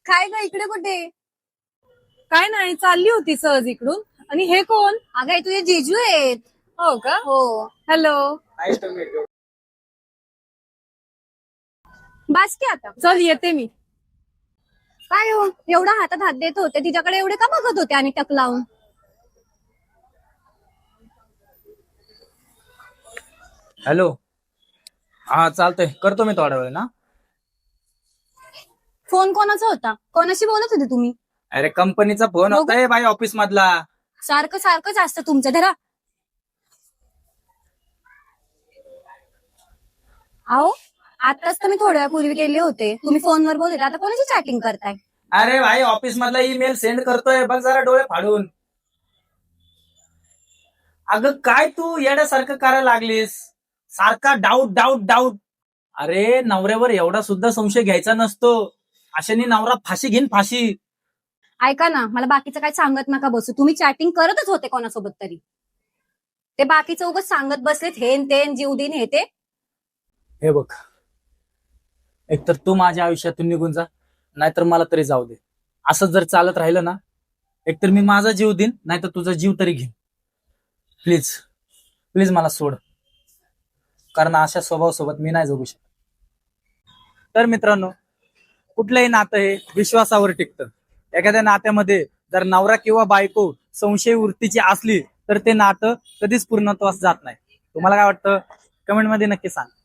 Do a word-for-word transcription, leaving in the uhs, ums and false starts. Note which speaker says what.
Speaker 1: काय ग इकडे कुठे?
Speaker 2: काय नाही, चालली होती सहज इकडून. आणि हे कोण?
Speaker 1: अगं हे तुझे जीजू आहेत.
Speaker 2: हो का?
Speaker 1: हो.
Speaker 2: हॅलो.
Speaker 1: बास की आता.
Speaker 2: चल येते मी.
Speaker 1: काय हो एवढा हातात हात देत होते तिच्याकडे एवढे का बघत होते आणि टक लावून?
Speaker 3: हॅलो. हा चालतंय, करतो मी थोड्या वेळ ना.
Speaker 1: फोन कोणाचा होता? कोणाशी बोलत होते तुम्ही?
Speaker 3: अरे कंपनीचा फोन
Speaker 1: हो
Speaker 3: होता बाई, ऑफिस मधला.
Speaker 1: सारखं सारखंच असतं तुमचं. धरा. अहो आताच तर मी थोड्या वेळापूर्वी गेले होते, तुम्ही फोनवर बोलत होते, आता कोणाची चॅटिंग करताय?
Speaker 3: अरे भाई ऑफिस मधला ईमेल सेंड करतोय, बघ जरा डोळे फाडून. अगं काय तू येड्यासारखं करायला लागलीस, सारखा डाऊट डाऊट डाऊट. अरे नवऱ्यावर एवढा सुद्धा संशय घ्यायचा नसतो, अशाने नवरा फाशी घेईन फाशी.
Speaker 1: ऐका ना, मला बाकीचं काय सांगत नका बसू. तुम्ही चॅटिंग करतच होते कोणासोबत तरी. ते बाकीचं उगाच सांगत बसलेत हेन तेन जीव दिन हे ते.
Speaker 3: हे बघ, एकतर तू माझ्या आयुष्यातून निघून जा, नाहीतर मला तरी जाऊ दे. असं जर चालत राहिलं ना, एकतर मी माझा जीव देईन, नाहीतर तुझा जीव तरी घेईन. प्लीज प्लीज मला सोड, कारण अशा स्वभावासोबत मी नाही जगू शकत. तर मित्रांनो, कुठलंही नातं हे विश्वासावर टिकतं. एखाद्या नात्यामध्ये जर नवरा किंवा बायको संशय वृत्तीची असली तर ते नातं कधीच पूर्णत्वास जात नाही. तुम्हाला काय वाटतं? कमेंटमध्ये नक्की सांग.